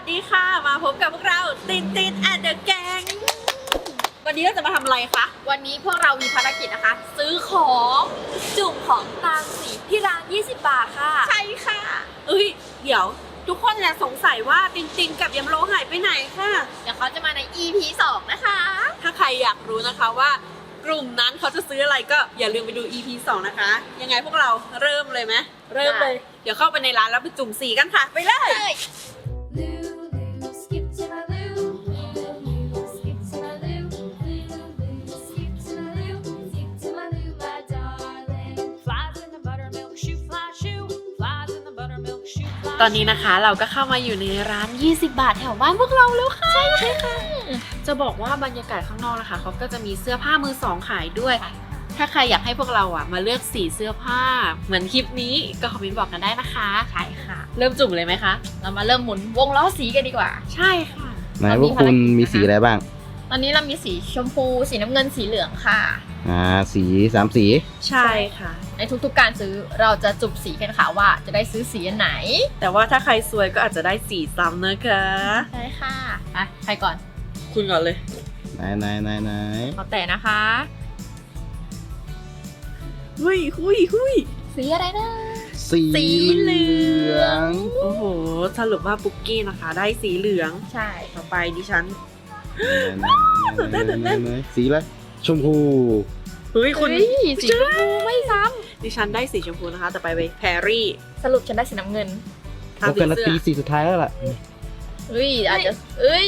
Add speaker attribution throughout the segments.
Speaker 1: ดีค่ะมาพบกับพวกเราตินแอนเดอะแกงวันนี้เราจะมาทำอะไรคะ
Speaker 2: วันนี้พวกเรามีภารกิจนะคะซื้อของจุ่มของตามสีที่ร้าน20 บาทค่ะ
Speaker 1: ใช่ค่ะเดี๋ยวทุกคนเนี่ยสงสัยว่าตินกับยำโลหายไปไหนค่ะ
Speaker 2: เดี๋ยวเขาจะมาใน EP 2 นะคะ
Speaker 1: ถ้าใครอยากรู้นะคะว่ากลุ่มนั้นเขาจะซื้ออะไรก็อย่าลืมไปดู EP 2 นะคะยังไงพวกเราเริ่มเลยไหมเริ่มเลยเดี๋ยวเข้าไปในร้านแล้วไปจุ่มสีกันค่ะไปเลยตอนนี้นะคะเราก็เข้ามาอยู่ในร้าน20 บาทแถวบ้านพวกเราแล้วค่ะใช่ค่ะจะบอกว่าบรรยากาศข้างนอกนะคะเขาก็จะมีเสื้อผ้ามือสองขายด้วยถ้าใครอยากให้พวกเรามาเลือกสีเสื้อผ้าเหมือนคลิปนี้ก็คอมเมนต์บอกกันได้นะคะ
Speaker 2: ใช่ค่ะ
Speaker 1: เริ่มจุ่มเลยไหมคะ
Speaker 2: เรามาเริ่มหมุนวงล้อสีกันดีกว่า
Speaker 1: ใช่ค่ะ
Speaker 3: ไหนพวกคุณมีสีอะไรบ้าง
Speaker 2: ตอนนี้เรามีสีชมพูสีน้ำเงินสีเหลืองค่ะ
Speaker 3: สี3 สี
Speaker 1: ใช่ค่ะ
Speaker 2: ในทุกๆการซื้อเราจะจุ่มสีกันค่ะว่าจะได้ซื้อสีอันไหน
Speaker 1: แต่ว่าถ้าใครซวยก็อาจจะได้สีซ้ำนะคะ
Speaker 2: ใช่ค่ะไปใครก่อน
Speaker 1: คุณก่อนเลย
Speaker 3: ไหน
Speaker 2: ขอแต่นะคะ
Speaker 1: หุย
Speaker 2: สีอะไรนะ
Speaker 3: สีเหลือง
Speaker 1: โอ้โหสรุปว่าปุ๊กกี้นะคะได้สีเหลือง
Speaker 2: ใช่
Speaker 1: ต่อไปดิฉันตื่นเต้น
Speaker 3: สีอะไรชมพู
Speaker 1: คุณ
Speaker 2: สีชมพูไม่ซ้
Speaker 1: ำดิฉันได้สีชมพูนะคะแต่ไปแพรรี่
Speaker 2: สรุปฉันได้สีน้ำเงิน
Speaker 3: เราเป็นตีสีสุดท้ายแล้วล่ะ
Speaker 2: อาจจะ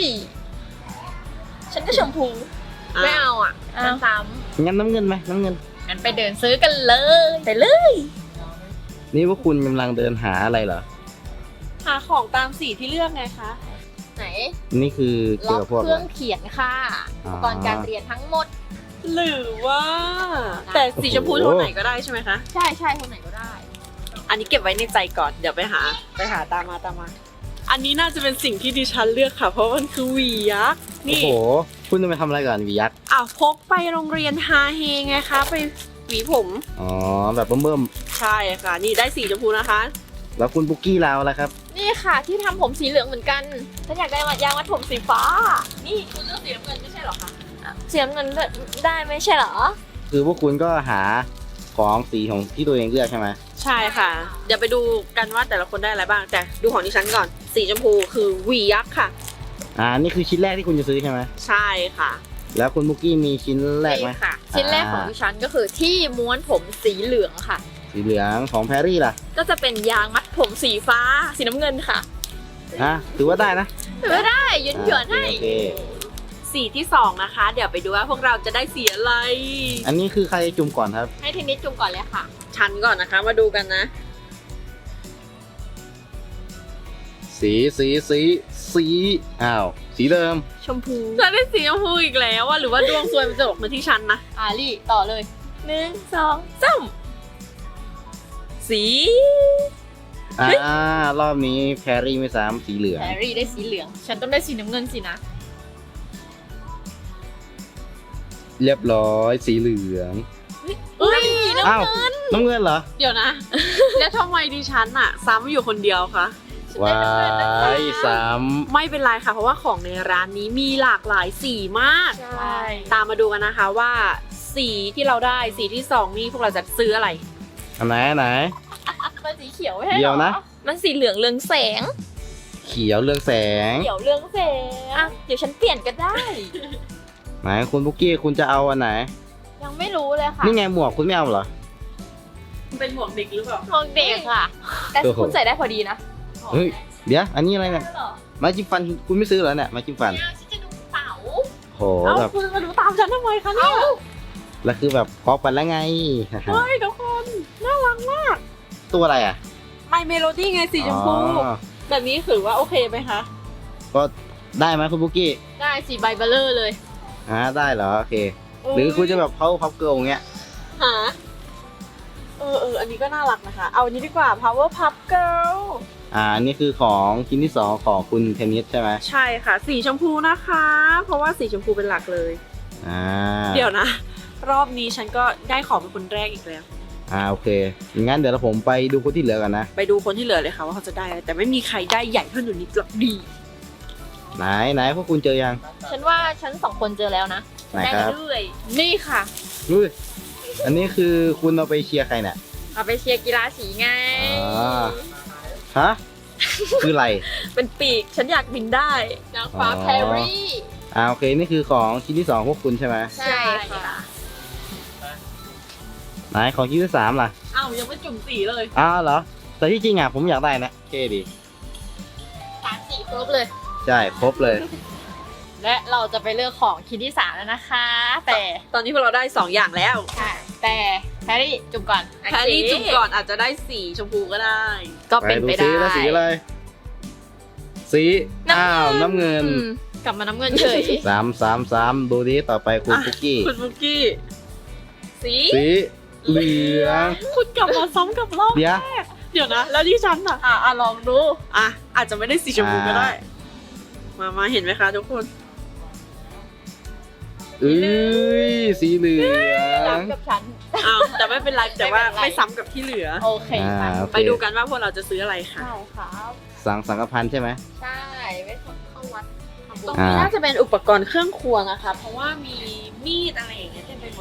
Speaker 2: ฉันก็ชมพูไม่เอาซ้ำ
Speaker 3: งั้นน้ำเงินไหมน้ำเงิน
Speaker 2: งั้นไปเดินซื้อกันเลยไปเลย
Speaker 3: นี่พวกคุณกำลังเดินหาอะไรเหรอ
Speaker 1: หาของตามสีที่เลือกไงคะ
Speaker 2: ไหน
Speaker 3: นี่คือเกี่ยวกับพวก
Speaker 2: เครื่องเขียนค่ะอุปกรณ์การเรียนทั้งหมด
Speaker 1: หรือว่าแต่สีชมพูโทนไหนก็ได้ใช่ไหมคะ
Speaker 2: ใช่โทนไหนก็ได้
Speaker 1: อันนี้เก็บไว้ในใจก่อนเดี๋ยวไปหาตามมาอันนี้น่าจะเป็นสิ่งที่ดิฉันเลือกค่ะเพราะมันคือหวียักษ์
Speaker 3: นี่โอ้โหคุณจะไปทำอะไรก่อนหวียักษ์
Speaker 1: พกไปโรงเรียนฮาเฮไงคะไปหวีผม
Speaker 3: แบบเบิ่ม
Speaker 1: ใช่ค่ะนี่ได้สีชมพูนะคะ
Speaker 3: แล้วคุณปุ๊กกี้เราล่ะครับ
Speaker 2: นี่ค่ะที่ทำผมสีเหลืองเหมือนกันฉันอยากได้ยางมัดผมสีฟ้านี่คุณเลือกสีน้ำเงินไม่ใช่หรอคะสีน้ำเงินได้ไม่ใช่หรอ
Speaker 3: คือพวกคุณก็หาของสีของที่ตัวเองเลือกใช่ไหม
Speaker 1: ใช่ค่ะเดี๋ยวไปดูกันว่าแต่ละคนได้อะไรบ้างแต่ดูของดิฉันก่อนสีชมพูคือหวียักษ์ค่ะ
Speaker 3: นี่คือชิ้นแรกที่คุณจะซื้อใช่ไหม
Speaker 1: ใช่ค่ะ
Speaker 3: แล้วคุณปุ๊กกี้มีชิ้นแรกไหม
Speaker 2: ค่ะชิ้นแรกของดิฉันก็คือที่ม้วนผมสีเหลืองค่ะ
Speaker 3: สีเหลืองของแพรรี่ล่ะ
Speaker 2: ก็จะเป็นยางมัดผมสีฟ้าสีน้ำเงินค่ะ
Speaker 3: ถือว่าได้นะ
Speaker 2: ถือว่าได้หยวนให้
Speaker 1: สีที่2นะคะเดี๋ยวไปดูว่าพวกเราจะได้สีอะไร
Speaker 3: อันนี้คือใครจุ่มก่อนครับ
Speaker 2: ให้ทีนิดจุ่มก่อนเลยค่ะ
Speaker 1: ฉันก่อนนะคะมาดูกันนะ
Speaker 3: สีสีเดิม
Speaker 2: ชมพู
Speaker 1: จะได้สีชมพูอีกแล้วหรือว่าดวงซวยมันจะออกมาที่ฉันนะ
Speaker 2: ลี่ต่อเลย1 2 3สี
Speaker 3: รอบนี้แพรรี่ไม่ซ้ำสีเหลือง
Speaker 2: แพรรี่ได้สีเหลืองฉันต้องได้สีน้ำเงินสินะ
Speaker 3: เรียบร้อยสีเหลืองน้ำเงินเหรอ
Speaker 1: เดี๋ยวนะแล้วทำไมดิฉันซ้ำอยู่คนเดียวคะ
Speaker 3: ว้ายซ้ำ
Speaker 1: ไม่เป็นไรค่ะเพราะว่าของในร้านนี้มีหลากหลายสีมาก
Speaker 2: ใช่
Speaker 1: ตามมาดูกันนะคะว่าสีที่เราได้สีที่2นี่พวกเราจะซื้ออะไร
Speaker 3: อันไหน
Speaker 2: มันสีเขียวไม่
Speaker 3: ใช่หรอเดี๋ยวนะ
Speaker 2: มันสีเหลืองเรืองแสง
Speaker 3: เขียวเรืองแสง
Speaker 2: เดี๋ยวฉันเปลี่ยนก็ได้
Speaker 3: ไหนคุณปุ๊กกี้คุณจะเอาอันไหน
Speaker 2: ยังไม่รู้เลยค่ะ
Speaker 3: นี่ไงหมวกคุณไม่เอาเหรอ
Speaker 1: เป็นหมวกเด็กหรือเปล่า
Speaker 2: หมวกเด็กค่ะแต่คุณใส่ได้พอดีนะ
Speaker 3: เฮ้ยเดี๋ยวอันนี้อะไรเนี่ยไม้จิ้มฟันคุณไม่ซื้อเหรอเนี่ยไม้จิ้มฟัน
Speaker 2: ฉันจะดูเต๋า
Speaker 3: โหแบบ
Speaker 1: คุณมาดูตามฉันทำไมคะเนี่ย
Speaker 3: แล้วคือแบบพอกันแล้วไง
Speaker 1: เฮ้ยทุกคนน่ารักมาก
Speaker 3: ตัวอะไร
Speaker 1: My Melody ไงสีชมพูแบบนี้ถือว่าโอเคไหมคะ
Speaker 3: ก็ได้ไหมคุณปุ๊กกี้
Speaker 2: ได้สีใบเบลเลอร์เลย
Speaker 3: ได้เหรอโอเคหรือคุณจะแบบเขาพับเกิลเงี้ย
Speaker 1: อันนี้ก็น่ารักนะคะเอาอันนี้ดีกว่า Power Puff Girl
Speaker 3: อันนี้คือของชิ้นที่2ของคุณเทนนิสใช่ไหม
Speaker 1: ใช่ค่ะสีชมพูนะคะเพราะว่าสีชมพูเป็นหลักเลยเดี๋ยวนะรอบนี้ฉันก็ได้ของเป็นคนแรกอีกแล้ว
Speaker 3: โอเคงั้นเดี๋ยวผมไปดูคนที่เหลือกันนะ
Speaker 1: ไปดูคนที่เหลือเลยค่ะว่าเขาจะได้อะไรแต่ไม่มีใครได้ใหญ่เท่าหนูนิดหรอกดี
Speaker 3: ไหนพวกคุณเจอยัง
Speaker 2: ฉันว่าฉันสองคนเจอแล้วนะ
Speaker 3: ไหนครับ
Speaker 2: ด้วย
Speaker 1: นี่ค่ะ
Speaker 3: อุ้ยอันนี้คือคุณเอาไปเชียร์ใครเนี่ย
Speaker 2: เอาไปเชียร์กีฬาสีไง
Speaker 3: อ๋อ ฮะ คืออะไร
Speaker 2: เป็นปีกฉันอยากบินได้
Speaker 1: นางฟ้า
Speaker 3: อ๋อ
Speaker 1: แพรรี่
Speaker 3: โอเคนี่คือของชิ้นที่ 2 พวกคุณใช่ไหม
Speaker 2: ใช่ค่ะ
Speaker 3: ไหนของชิ้นที่ 3 ล่ะ
Speaker 1: อ้าวยังไม่จุ่มสีเลย
Speaker 3: เหรอ แต่ที่จริงผมอยากได้นะเท่ดี
Speaker 2: 3 4ครบเลย
Speaker 3: ใช่ครบเลย
Speaker 2: และเราจะไปเลือกของชิ้นที่ 3 แล้วนะคะ แต่
Speaker 1: ตอนนี้พวกเราได้ 2 อย่างแล้ว
Speaker 2: แต่แพรรี่จุ่มก่อน
Speaker 1: แพรรี่จุ่มก่อนอาจจะได้สีชมพูก็ได้
Speaker 2: ก็เป็นไป
Speaker 3: ดู
Speaker 2: ได้
Speaker 3: สีอะไร สีน้ำเงิน
Speaker 2: กลับมาน้ำเงินเฉย
Speaker 3: 3 ดูดิต่อไปคุณ
Speaker 1: อ่ะ
Speaker 3: คุกกี้
Speaker 1: คุณบุกกี้
Speaker 2: สี
Speaker 3: สีเหลือง
Speaker 1: คุณกลับมาซ้ำกับรอบ
Speaker 3: เดี๋ยว
Speaker 1: เดี๋ยวนะ แล้วที่ฉันอ่ะ
Speaker 2: ลองดู
Speaker 1: อาจจะไม่ได้สีชมพูก็ได้ มาเห็นไหมคะทุกคน
Speaker 3: สีเหลือง
Speaker 2: กับฉัน
Speaker 1: อ้าวแต่ไม่เป็นไรแต่ว่า
Speaker 2: ไม่เป็นไร
Speaker 1: ไม่ซ้ำกับที่เหลือ
Speaker 2: โอเคค่ะ
Speaker 3: โอเค
Speaker 1: ไปดูกันว่าพวกเราจะซื้ออะไรค่ะ
Speaker 2: ใช่ครับ
Speaker 3: สังกพันธ์ใช่ไหม
Speaker 2: ใช่ไว้เข้าวัดทำบุ
Speaker 1: ตร
Speaker 2: ญ
Speaker 1: งนี้
Speaker 3: อ่า
Speaker 1: น่าจะเป็นอุปกรณ์เครื่องครัวนะคะ เพราะว่ามีมีดอะไรอย่างเงี้ยเต็มไปหมด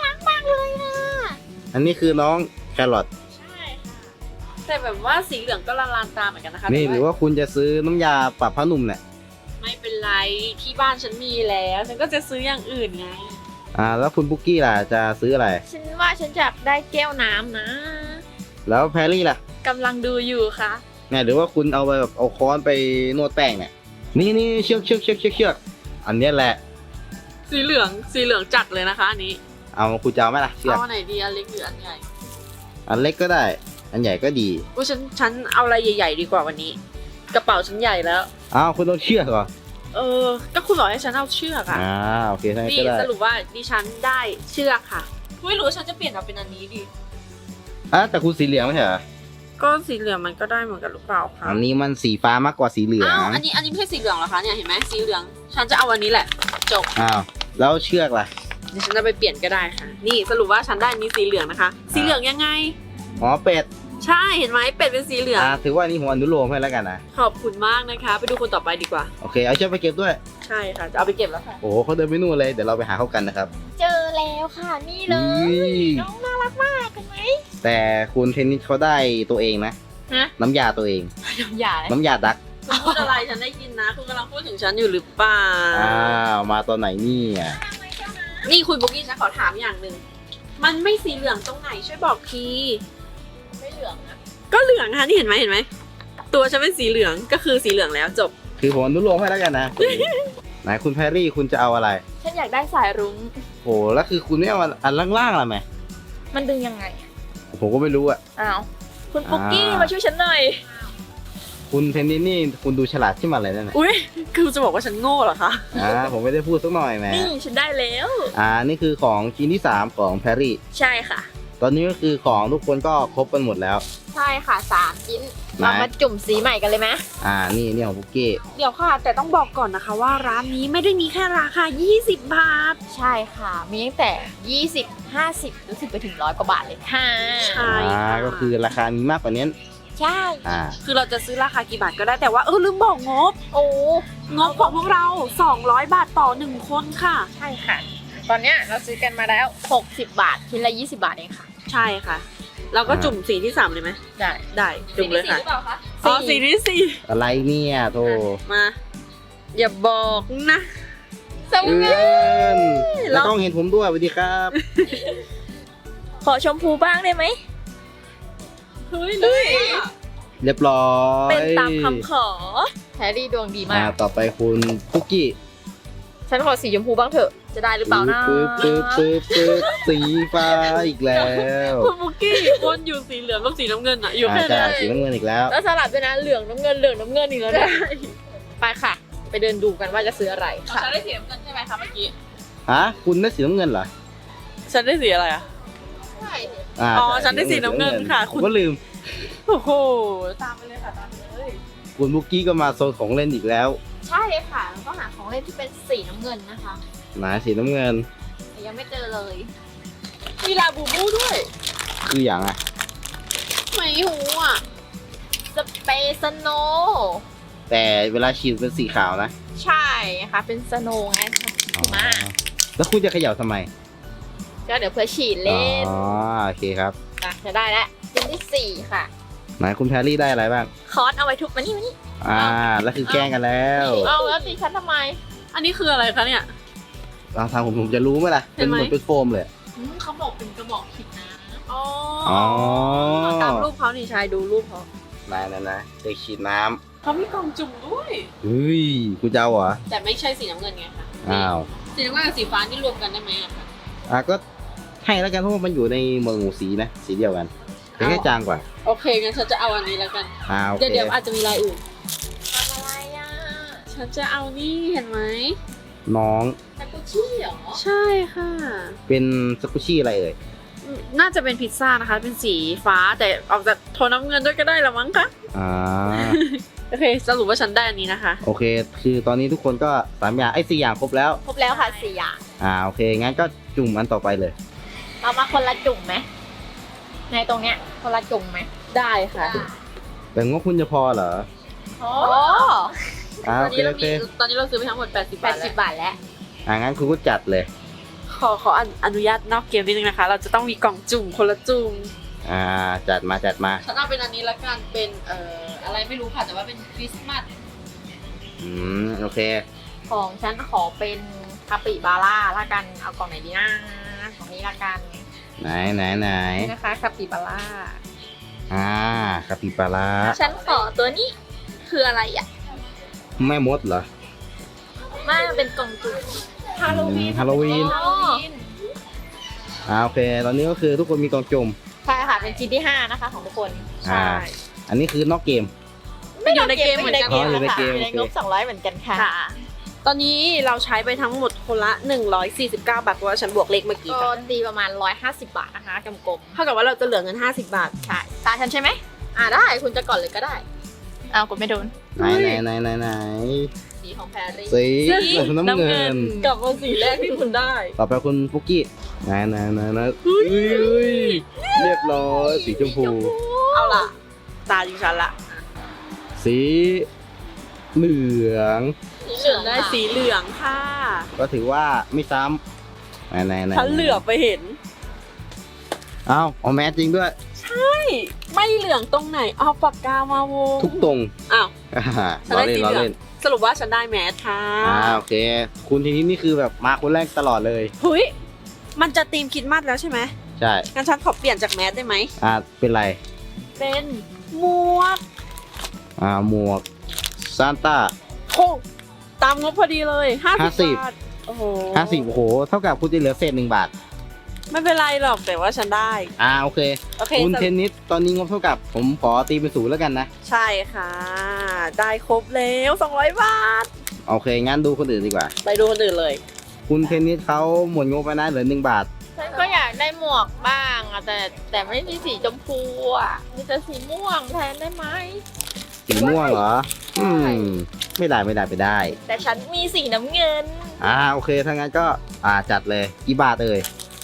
Speaker 3: อันนี้คือน้องแครอท
Speaker 1: ใช่ค่ะ แต่แบบว่าสีเหลืองก็ละลานตาเหมือนกันนะคะ
Speaker 3: นี่
Speaker 1: แต่
Speaker 3: หรือว่าคุณจะซื้อน้ำยาปรับผ้านุ่มเนี่ย
Speaker 1: ไม่เป็นไรที่บ้านฉันมีแล้วฉันก็จะซื้ออย่างอื่นไง
Speaker 3: แล้วคุณบุกกี้ล่ะจะซื้ออะไร
Speaker 2: ฉันว่าฉันอยากได้แก้วน้ำนะ
Speaker 3: แล้วแพรรี่ล่ะ
Speaker 2: กำลังดูอยู่ค่ะ
Speaker 3: เนี่ยหรือว่าคุณเอาไปแบบเอาค้อนไปนวดแป้งเนี่ย นี่เชือกอันเนี้ยแหละ
Speaker 1: สีเหลืองจัดเลยนะคะอันนี้
Speaker 3: เอาคุณจะเอาไหมล่ะเชือก
Speaker 1: เอาอันไหนดีอันเล็กหรืออันใหญ่
Speaker 3: อันเล็กก็ได้ อันใหญ่ก็ดี
Speaker 1: อุ้ยฉันเอาอะไรใหญ่ๆดีกว่าวันนี้ กระเป๋าฉันใหญ่แล้ว
Speaker 3: คุณต้องเชือกเหรอ
Speaker 1: ก็คุณบอกให้ฉันเอาเชือกอะ
Speaker 3: โอเคทั้างนั้น
Speaker 1: นี่
Speaker 3: ก็ได้
Speaker 1: สรุปว่าดิฉันได้เชือกค่ะไม่รู้ว่าฉันจะเปลี่ยนเอาเป็นอันนี้ดี
Speaker 3: แต่คุณสีเหลืองไม่ใช่เหรอ
Speaker 1: ก็สีเหลืองมันก็ได้เหมือนกันหรือเปล่าคะ
Speaker 3: อันนี้มันสีฟ้ามากกว่าสีเหลือง
Speaker 1: อ้าวอันนี้ไม่ใช่สีเหลืองเหรอคะเนี่ยเห็นไหมสีเหลือง ฉันจะเอาวันนี้แหละจบ
Speaker 3: แล้วเชือกล่ะ
Speaker 1: เดี๋ยวฉันจะไปเปลี่ยนก็ได้ค่ะ นี่สรุปว่าฉันได้อันนี้สีเหลืองนะคะ สีเหลืองยังไง
Speaker 3: เป็ด
Speaker 1: ใช่เห็นไหมเป็ดเป็นสีเหลือง
Speaker 3: ถือว่านี่ผมอนุโลมให้แล้วกันนะ
Speaker 1: ขอบคุณมากนะคะ ไปดูคนต่อไปดีกว่า
Speaker 3: โอเคเอาเชือกไปเก็บด้วย
Speaker 1: ใช่ค่ะจะเอาไปเก็บแล้วค่ะ
Speaker 3: โอ้โหเขาเดินไปนู่นเลยเดี๋ยวเราไปหาเขากันนะครับ
Speaker 2: เจอแล้วค่ะนี่เล
Speaker 3: อุ้
Speaker 2: ย
Speaker 3: ย
Speaker 2: น้องน่ารักมากเห็นไหม
Speaker 3: แต่คุณเทนนิสเขาได้ตัวเองนะ
Speaker 2: ฮะ
Speaker 3: น้ำยาตัวเอง
Speaker 2: อย่าเลย
Speaker 3: น้ำยาดัก
Speaker 1: คุณพูดอะไรฉันได้ยินนะ คุณกำลังพูดถึงฉันอยู่หรือเปล่า
Speaker 3: มาตอนไหนเนี่ย
Speaker 1: นี่คุณบุ๊กกี้ฉันขอถามอย่างหนึ่งมันไม่สีเหลืองตรงไหนช่วยบอกที
Speaker 2: ไม่เหลืองนะ
Speaker 1: ก็เหลืองค่ะนี่เห็นไหมตัวฉันเป็นสีเหลืองก็คือสีเหลืองแล้วจบ
Speaker 3: คือผมอนุโลมให้แล้วกันนะ ไหนคุณแพรรี่คุณจะเอาอะไร
Speaker 2: ฉันอยากได้สายรุ้ง
Speaker 3: โอ้แล้วคือคุณไม่เอาอันล่างๆล่ะไหม
Speaker 2: มันดึงยังไง
Speaker 3: ผมก็ไม่รู้อ่ะ
Speaker 2: อ้าวคุณปุ๊กกี้
Speaker 3: อ่าม
Speaker 2: มาช่วยฉันหน่อย
Speaker 3: คุณเทนนิสนี่คุณดูฉลาดขึ้นมาเลยนั่นแหละ
Speaker 1: อุ้ยคือจะบอกว่าฉันโง่เหรอคะ
Speaker 3: ผมไม่ได้พูดสักหน่อยแหม
Speaker 2: นี่ฉันได้แล้ว
Speaker 3: นี่คือของชิ้นที่ 3 ของแพรรี่
Speaker 2: ใช่ค่ะ
Speaker 3: ตอนนี้ก็คือของทุกคนก็ครบกันหมดแล้ว
Speaker 2: ใช่ค่ะ3ชิ้น
Speaker 3: ไหน
Speaker 2: เรามาจุ่มสีใหม่กันเลยไหม
Speaker 3: นี่ของบุกกี้
Speaker 1: เดี๋ยวค่ะ แต่ต้องบอกก่อนนะคะว่าร้านนี้ไม่ได้มีแค่ราคา 20 บาท
Speaker 2: ใช่ค่ะ มีตั้งแต่ 20 50รู้สึกไปถึง100 กว่าบาทเลยค่ะ
Speaker 1: ใช่
Speaker 3: ก็คือราคามีมากกว่านี้
Speaker 2: ใช่
Speaker 1: คือเราจะซื้อราคากี่บาทก็ได้แต่ว่าลืมบอกงบ
Speaker 2: โอ้
Speaker 1: งบของพวกเรา 200 บาทต่อ 1 คนค่ะ
Speaker 2: ใช่ค่ะ ตอนเนี้ยเราซื้อกันมาแล้ว 60 บาทชิ้นละ20 บาทเองค่ะ
Speaker 1: ใช่ค่ะ เราก็จุ่มสีที่ 3 เลยไหม
Speaker 2: ได้
Speaker 1: ได้จุ่มเลยค่ะ
Speaker 2: สีที่สี่หรือเปล่าคะ
Speaker 1: อ๋อสีที่สี่
Speaker 3: อะไรเนี่ยโธ่
Speaker 1: มา อย่าบอกนะ
Speaker 2: สม
Speaker 3: เอิน
Speaker 1: แล้
Speaker 3: แล้ว วต้องเห็นผมด้วยสวัสดีครับ
Speaker 2: ขอชมพูบ้างได้ไหม
Speaker 1: เฮ้ยเลยอะ
Speaker 3: เรียบร้อย
Speaker 2: เป็นตามคำขอแฮร์รี่ดวงดีมาก
Speaker 3: ต่อไปคุณคุกกี้
Speaker 2: ฉันขอสีชมพูบ้างเถอะ จะได้หรือเปล่านะ
Speaker 3: ปึ๊บสีฟ้าอีกแล้ว
Speaker 1: คุณบุกกี้วนอยู่สีเหลืองกับสีน้ำเงินอะอยู่แค่
Speaker 3: ใช่
Speaker 1: นั้น
Speaker 3: สีน้ำเงินอีกแล้ว
Speaker 2: แล้วสลับด้วยนะเหลืองน้ำเงินเหลืองน้ำเงินอีกแล้วเนี่ยไปค่ะ ไปเดินดูกันว่าจะซื้ออะไรค่ะ
Speaker 1: ฉันได้สีน้ำเงินใช่ไหมคะเมื่อกี้
Speaker 3: คุณได้สีน้ำเงินเหรอ
Speaker 1: ฉันได้สีอะไรอะ อ๋อฉันได้สีน้ำเงินค่ะ
Speaker 3: ผมก็ลืม
Speaker 1: โอ้โห ตามไปเลยค่ะตามไปเลย
Speaker 3: คุณบุกกี้ก็มาโซนของเล่นอีกแล้ว
Speaker 2: ใช่เลยค่ะเราต้องหาของเล่นที่เป็นสีน้ำเงินนะคะ
Speaker 3: ไหนสีน้ำเงิน
Speaker 2: แต่ยังไม่เจอเลย
Speaker 1: มีลาบูบูด้วย
Speaker 3: คืออย่างอ่ะ
Speaker 1: ไม่หูอ่ะ
Speaker 2: สเปซโน
Speaker 3: ไปแต่เวลาฉีดเป็นสีขาวนะ
Speaker 2: ใช่ค่ะ เป็นสโนว์ไงหิมะ
Speaker 3: แล้วคุณจะเขย่าทำไม
Speaker 2: ก็เดี๋ยวเพื่อฉีดเล่น
Speaker 3: อ๋อโอเคครับ
Speaker 2: อ่ะจะได้แล้วชิ้นที่ 4 ค่ะ
Speaker 3: ไหนคุณแพรรี่ได้อะไรบ้าง
Speaker 2: คอร์สเอาไว้ทุบมานี่
Speaker 3: แล้วคือแกล้งกันแล้ว
Speaker 2: เอาแล้วตีฉันทำไม
Speaker 1: อันนี้คืออะไรคะเนี่ย
Speaker 3: เราทางผมจะรู้ไหมล่ะ
Speaker 1: เห็
Speaker 3: เป็น น
Speaker 1: ไหม
Speaker 3: เหมือนเป็นโฟมเลย
Speaker 2: เขาบอกเป็นกระบอกหินนะ
Speaker 1: อ๋อ
Speaker 3: อ๋อ
Speaker 1: ตามรูปเขานี่ชายดูรูปเขา
Speaker 3: นะเด็กฉีดน้
Speaker 1: เขามีกล่องจุ่มด้วย
Speaker 3: ำเฮ้ยคุณจะเอาเหรอ
Speaker 1: แต่ไม่ใช่สีน้ำเงินไงคะ
Speaker 3: อ้าว
Speaker 1: สีน้ำเงินกับสีฟ้านี่รวมกันได้ไหมอะคะ
Speaker 3: ก็ให้แล้วกันเพราะว่ามันอยู่ในหมวดหมู่สีนะสีเดียวกันแต่แค่จางกว่า
Speaker 1: โอเคงั้นฉันจะเอาอันนี้แล้วกัน
Speaker 3: โอ
Speaker 1: เดี๋ยว
Speaker 3: เค
Speaker 1: เดี๋ยวอาจจะมีลายอื่น
Speaker 2: ทำอะไรอ่ะ
Speaker 1: ฉันจะเอานี่เห็นไหม
Speaker 3: น้อง
Speaker 2: ตะกุชี่เหรอ
Speaker 1: ใช่ค่ะ
Speaker 3: เป็นสกุชี่อะไรเอ่ย
Speaker 1: น่าจะเป็นพิซซ่านะคะ เป็นสีฟ้าแต่ออกจากโทนน้ำเงินด้วยก็ได้ละมั้งคะ
Speaker 3: อ่า
Speaker 1: โอเคสรุปว่าฉันได้อันนี้นะคะ
Speaker 3: โอเค คือตอนนี้ทุกคนก็3อย่าง4อย่างครบแล้ว
Speaker 2: ครบแล้วค่ะ4 อย่าง
Speaker 3: โอเคงั้นก็จุ่มอันต่อไปเลย
Speaker 2: เรามาคนละจุ่มไหมในตรงเนี้ยคนละจุ่มไหม
Speaker 1: ได้ค่ะ
Speaker 3: แต่งบคุณจะพอเหรอ
Speaker 2: โอ้
Speaker 1: ตอน
Speaker 3: โอเค
Speaker 1: นี้เรา
Speaker 3: โอเค
Speaker 1: ตอนนี้เราซื้อไปทั้งหมด80 บาทแล้ว
Speaker 2: 80 บาทแล้ว
Speaker 3: งั้นคุณก็จัดเลย
Speaker 1: ขออนุญาตนอกเกมนิดนึงนะคะ เราจะต้องมีกล่องจุ่มคนละจุ่ม
Speaker 3: จัดมา
Speaker 1: ฉันเอาเป็นอันนี้ละกันเป็นอะไรไม่รู้ค่ะแต่ว่าเป็นคริสต์มาส
Speaker 3: โอเค
Speaker 2: ของฉันขอเป็นคาปิบาร่าละกัน เอากล่องไหนดีนะของนี้ละกัน
Speaker 3: ไหน
Speaker 2: นี่นะคะคาปิบาร่า
Speaker 3: คาปิบาร่า
Speaker 2: ฉันขอตัวนี้คืออะไรอ่ะ
Speaker 3: แม่มดเหรอ
Speaker 2: ไม่มันเป็นกล่องจุ่ม
Speaker 3: ฮาโลวีน
Speaker 2: อ๋อ
Speaker 3: โอเค ตอนนี้ก็คือทุกคนมีกล่องจุ่ม
Speaker 2: ใช่ค่ะ เป็นชิ้นที่ 5 นะคะของทุกคน
Speaker 3: อันนี้คือนอกเกม
Speaker 1: ไม่อยู่ในเกมเหมือนกัน
Speaker 3: อ๋ออยู่ในเกม
Speaker 2: อยู่ในงบ
Speaker 3: โอเค
Speaker 2: 200เหมือนกันค่ะ
Speaker 1: ค่ะ ตอนนี้เราใช้ไปทั้งหมดคนละ149 บาทเพราะว่าฉันบวกเลขเมื่อกี้
Speaker 2: ก็
Speaker 1: ค่ะ
Speaker 2: ตีประมาณ150 บาทนะคะกลม
Speaker 1: เท่ากับว่าเราจะเหลือเงิน50 บาท
Speaker 2: ๆใช่ตาฉันใช่ไหมได้คุณจะก่อนเลยก็ได้อ้าวกดไม่โดน
Speaker 3: ไหน
Speaker 2: สีของแพรรี่
Speaker 3: สีน้ำเงิน
Speaker 1: กลับมาสีแรกที่คุณได้
Speaker 3: ต่อไปคุณฟุกกี้ไหนเรียบร้อยสีชมพู
Speaker 1: เอาล่ะ ตาดิฉันละ
Speaker 3: สีเหลือง
Speaker 2: สีเหลือง
Speaker 1: ได้
Speaker 2: ค่ะ
Speaker 1: สีเหลืองค่ะ
Speaker 3: ก็ถือว่าไม่ซ้ำไหน
Speaker 1: ฉันเหลือบไปเห็น
Speaker 3: เอาแมสจริงด้วย
Speaker 1: ไม่เหลืองตรงไหนเอาปากกามาวง
Speaker 3: ทุกตรง
Speaker 1: อ้าว ฉัน
Speaker 3: ล้อ
Speaker 1: ได้
Speaker 3: เล่น
Speaker 1: สี
Speaker 3: ล้อ
Speaker 1: เหลือง
Speaker 3: เล่น
Speaker 1: สรุปว่าฉันได้แมสค่ะ
Speaker 3: โอเค คุณทีนี้นี่คือแบบมาคนแรกตลอดเลย
Speaker 1: เฮ้ยมันจะธีมคริดมัดแล้วใช่ไหม
Speaker 3: ใช่
Speaker 1: งั้นฉันขอเปลี่ยนจากแมสได้ไหม
Speaker 3: เป็นไร
Speaker 1: เป็นหมวก
Speaker 3: หมวกซานต้า
Speaker 1: โอ้ตามงบพอดีเลย50
Speaker 3: 50
Speaker 1: บาทโอ้โห
Speaker 3: 50โอ้โห เท่ากับคุณจะเหลือเศษ1 บาท
Speaker 1: ไม่เป็นไรหรอกแต่ว่าฉันได้
Speaker 3: โอเค
Speaker 1: โอเค
Speaker 3: คุณเทนนิสตอนนี้งบเท่ากับผมขอตีเป็น0แล้วกันนะ
Speaker 1: ใช่ค่ะ ได้ครบแล้ว200 บาท
Speaker 3: โอเค งั้นดูคนอื่นดีกว่า
Speaker 1: ไปดูคนอื่นเลย
Speaker 3: คุณเทนนิสเขาหมดงบไปนะเหลือ1 บาท
Speaker 2: ฉันก็อยากได้หมวกบ้างอะแต่ไม่มีสีชมพูอะมีแต่สีม่วงแทนได้ไหม
Speaker 3: สีม่วงเหรอ ไม่ได้
Speaker 2: แต่ฉันมีสีน้ำเงิน
Speaker 3: โอเค ถ้างั้นก็จัดเลยกี่บาทเอ่ย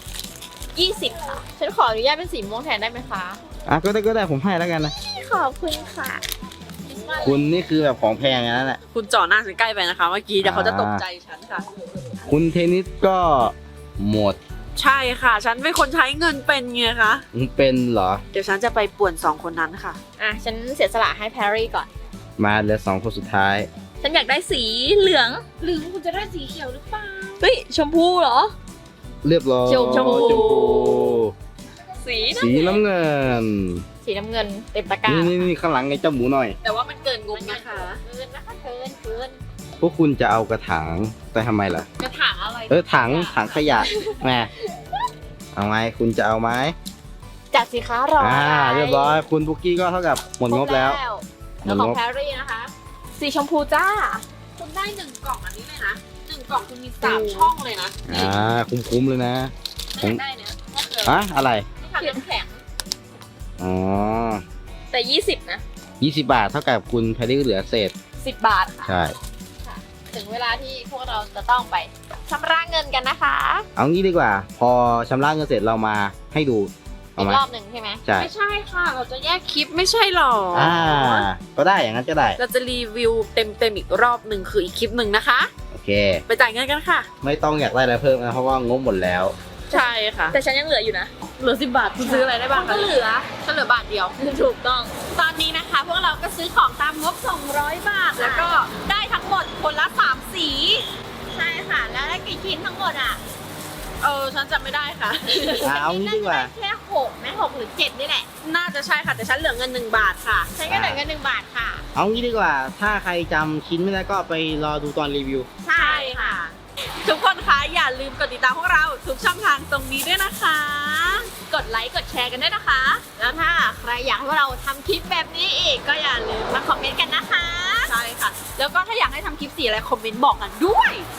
Speaker 2: 20 ค่ะ ฉันขออนุญาตเป็นสีม่วงแทนได้ไหมคะ
Speaker 3: ก็ได้ผมให้แล้วกันนะ
Speaker 2: ขอบคุณค่ะ
Speaker 3: คุณนี่คือแบบของแพงอย่างนั้นแหละ
Speaker 1: คุณจ่อหน้าฉันใกล้ไปนะคะเมื่อกี้เดี๋ยวเขาจะตกใจฉันค่ะ
Speaker 3: คุณเทนนิสก็หมด
Speaker 1: ใช่ค่ะ ฉันเป็นคนใช้เงินเป็นไงคะ
Speaker 3: เป็นเหรอ
Speaker 1: เดี๋ยวฉันจะไปป่วน2 คนนั้นค่ะ
Speaker 2: ฉันเสียสละให้แพรรี่ก่อน
Speaker 3: มาเหลือ2 คนสุดท้าย
Speaker 2: ฉันอยากได้สีเหลือง
Speaker 1: หรือคุณจะได้สีเขียวหรือเปล่า
Speaker 2: เฮ้ยชมพูเหรอ
Speaker 3: เรียบร้อย
Speaker 2: ชมพู
Speaker 1: สี
Speaker 3: สีน้ำเงิน
Speaker 2: สีน้ำเงินเต็มตะกร้า
Speaker 3: นี่ข้างหลังไงเจ้าหมูหน่อย
Speaker 1: แต่ว่ามันเกินงบนะคะ
Speaker 2: เกินนะคะเกิน
Speaker 3: พวกคุณจะเอากระถางไปทำไมล่ะ
Speaker 1: กระถางอะไร
Speaker 3: ถังขยะแหมเอาไงคุณจะเอาไหม
Speaker 2: จัดสิคะรออะไร
Speaker 3: เรียบร้อยคุณปุกกี้ก็เท่ากับหมดงบแล้ว
Speaker 2: แล้วของแพรรี่นะคะ สีชมพูจ้า
Speaker 1: คุณได้1 กล่องอันนี้เลยนะ1 กล่องคุณมี3 ช่องเลยนะนี่
Speaker 3: คุ้มเลยนะ
Speaker 1: อยากได้เนี่ยถ้าเกิด
Speaker 3: อะไร
Speaker 1: ที่ทำน้ำแข็ง
Speaker 3: อ๋อ
Speaker 2: แต่20นะ
Speaker 3: 20 บาทเท่ากับคุณแพรรี่เหลือเศษ
Speaker 2: 10 บาทค่ะ
Speaker 3: ใช่
Speaker 2: ถึงเวลาที่พวกเราจะต้องไปชำระเงินกันนะคะ
Speaker 3: เอางี้ดีกว่า พอชำระเงินเสร็จเรามาให้ดูเอา
Speaker 2: อี
Speaker 3: ไหม
Speaker 2: กรอบหนึ่งใช่ไหม
Speaker 3: ใช่
Speaker 1: ไม่ใช่ค่ะ เราจะแยกคลิปไม่ใช่หรอ
Speaker 3: ก็ได้อย่างนั้นก็ได้
Speaker 1: เราจะรีวิวเต็มอีกรอบหนึ่งคืออีกคลิปหนึ่งนะคะ
Speaker 3: โอเค
Speaker 1: ไปจ่ายเงินกันค่ะ
Speaker 3: ไม่ต้องอยากได้อะไรเพิ่มนะเพราะว่างบหมดแล้ว
Speaker 1: ใช่ค่ะ
Speaker 2: แต่ฉันยังเหลืออยู่นะ
Speaker 1: เหลือ10 บาทคุณซื้ออะไรได้บ้างคะ
Speaker 2: ก็เหลือ
Speaker 1: ก็เหลือบาทเดียว
Speaker 2: ถูกต้อง
Speaker 1: ตอนนี้นะคะ พวกเราก็ซื้อของตามงบ 200 บาท แล้วก็ได้ทั้งหมดคนละ 3 สี
Speaker 2: ใช่ค่ะ แล้วได้กี่ชิ้นทั้งหมดอ่ะ
Speaker 1: ฉันจำไม่ได้ค่ะ
Speaker 3: เอางี้ดีกว่า
Speaker 2: แค่6ไหม6หรือ7นี่แหละ
Speaker 1: น่าจะใช่ค่ะ แต่ฉันเหลือเงิน1 บาทค่ะ
Speaker 2: ฉันก็เหลือเงิน1 บาทค่ะ
Speaker 3: เอางี้ดีกว่า ถ้าใครจำชิ้นไม่ได้ก็ไปรอดูตอนรีวิว
Speaker 2: ใช่ค่ะ
Speaker 1: ทุกคนคะอย่าลืมกดติดตามพวกเราทุกช่องทางตรงนี้ด้วยนะคะ
Speaker 2: กดไลค์กดแชร์กันด้วยนะคะ แล้วถ้าใครอยากให้พวกเราทำคลิปแบบนี้อีกก็อย่าลืมมาคอมเมนต์กันนะคะ
Speaker 1: ใช่ค่ะ แล้วก็ถ้าอยากให้ทำคลิปสีอะไรคอมเมนต์บอกกันด้วย